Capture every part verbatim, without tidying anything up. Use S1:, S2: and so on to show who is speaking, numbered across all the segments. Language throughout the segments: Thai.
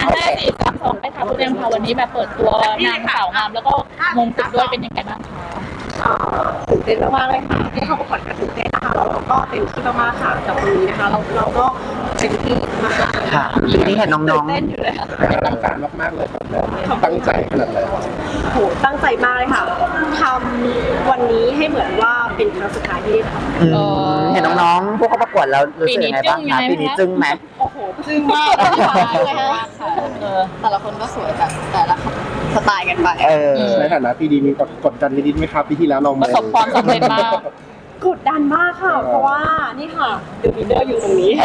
S1: ห้าสี่สามสองไปค่ะคุณแอมค่ะวันนี้แบบเปิดตัวนางสาวงามแล้วก็มงกุฎด้วยเป็นยังไงบ้างคะ
S2: ตื่นเต้นมากๆเลยค่ะที่เข้าประกวดกันตื่นเต้นนะคะแล้วเราก็เต็มที่มากๆค่ะกับวันนี้นะคะเราเราก็เต็มที่มากๆ
S3: ค่ะทีนี้เห็นน้องๆ
S2: เต้นอยู่เลยค่ะ
S4: ตั้งใจมากๆเลยตั้งใจขนาดไหน
S2: โหตั้งใจมากเลยค่ะทำวันนี้ให้เหมือนว่าเป็นครั้งสุดท้ายที่ได้ท
S3: ำเห็นน้องๆพวกเขาประกวดแล้วรู้สึกยังไงบ้างคะปีนี้จึ้งไหม
S2: โอ้โหจึ้งมากเลยค่ะแต่ละคนก็สวยแบบแต่ละสไตล์กันไป
S4: ในฐานะพี่ดีมีกดดันนิดๆไหมครับปีที่แล้วเรา
S1: ประสบความสำเร็จมาก
S2: กดดันมากค่ะเพราะว่านี่ค่ะเดอะลีดเดอร์อยู่ตรงนี้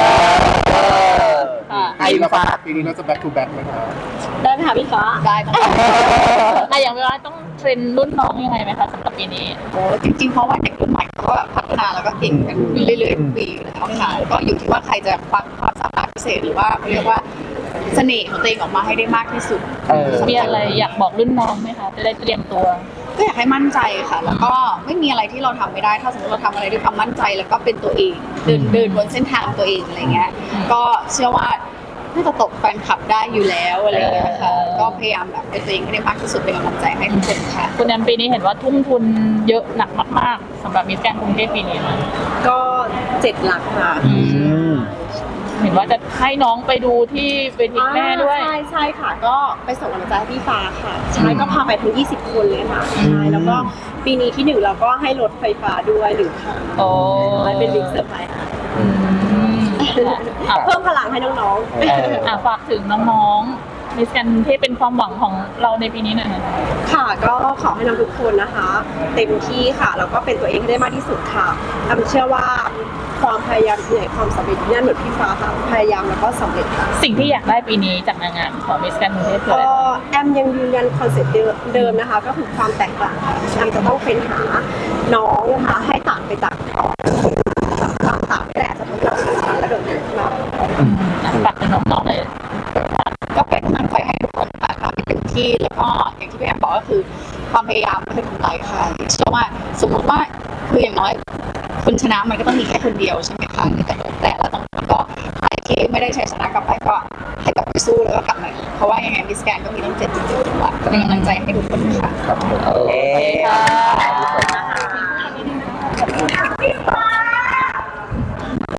S4: ไอ้ฟ้าปีนี้เราจะ back to back ไหมครับ
S2: ได้ไหมคะพี่ฟ้า
S1: ได้ค่ะแต่อย่างเวลาต้องเทรนรุ่นน้องยังไงไหมคะสำหรับปีนี้
S2: โอ้จริงๆเพราะว่าเด็กรุ่นใหม่เขาแบบพัฒนาแล้วก็เก่งกันเรื่อยๆทุกปีแล้วค่ะก็อยู่ที่ว่าใครจะควักความสามารถพิเศษหรือว่าเขาเรียกว่าเสน่ห์ของตัวเองออกมาให้ได้มากที่สุด
S1: มีอะไรอยากบอกรุ่นน้องไหมคะจะได้เตรียมตัว
S2: ก็อยากให้มั่นใจค่ะแล้วก็ไม่มีอะไรที่เราทำไม่ได้ถ้าสมมติเราทำอะไรด้วยความมั่นใจแล้วก็เป็นตัวเองเดินเดินบนเส้นทางตัวเองอะไรเงี้ยก็เชื่อว่าน่าจะตกแฟนคลับได้อยู่แล้วอะไรเงี้ยค่ะก็พยายามแบบเป็นตัวเองให้ได้มากที่สุดเป็นกำลังใจให้ทุกคนค่ะ
S1: คุณแอมปีนี้เห็นว่าทุ่มทุนเยอะหนักมากๆสำหรับมิสแกรนด์กรุงเทพปีนี้
S2: ก็เจ็ดหลักค่ะ
S1: เห็นว่าจะให้น้องไปดูที่เวทีแม่ด้วย
S2: ใช่ใช่ค่ะก็ไปส่งกำลังใจให้พี่ฟ้าค่ะใช่ก็พาไปทั้งยี่สิบคนเลยค่ะใช่แล้วก็ปีนี้ที่หนึ่งเราก็ให้รถไฟฟ้าด้วยหนึ่งคัน
S1: โอ้
S2: ยเป็นบิ๊กเซอร์ไพรส์ค่ะเพิ่มพลังให้น้อง
S1: ๆฝากถึงน้องๆมิสแกรนด์กรุงเทพเป็นความหวังของเราในปีนี้หน่อย
S2: ค่ะก็ขอให้น้องทุกคนนะคะเต็มที่ค่ะแล้วก็เป็นตัวเองให้ได้มากที่สุดค่ะแอมเชื่อว่าความพยายามเหนื่อยความสำเร็จนี่เหมือนพี่ฟ้าค่ะพยายามแล้วก็สำเร็จค่ะ
S1: สิ่งที่อยากได้ปีนี้จากนางงามของมิสแกรนด์กรุงเทพคืออะไร
S2: แอมยังยืนยันคอนเซ็ปต์เดิมนะคะก็คือความแตกต่างค่ะแอมจะต้องเฟ้นหาน้องนะคะให้ต่างไปจากต่างต่างแต่จะทำให้เราสำคัญและโดดเด่นขึ้นมา
S1: ฝากถึงน้องๆเลย
S2: ก็เป็นกำลังใจให้ทุกคนค่ะทำให้เต็มที่แล้วก็อย่างที่พี่แอมบอกก็คือความพยายามไม่เป็นกำไรค่ะเชื่อว่าสมมติว่าคืออย่างน้อยคุณชนะมันก็ต้องมีแค่คนเดียวใช่ไหมคะแต่แต่ละตรงนั้นก็ใครที่ไม่ได้ใช้ชนะกลับไปก็ให้กลับไปสู้แล้วก็กลับมาเพราะว่ายังไงมิสแกรนด์ก็มีต้องเจ็ดจุดเจ็ดจังหวัดเป็นกำลังใจให้ทุกคนค่ะ
S4: ครับ
S1: โอเคค่ะ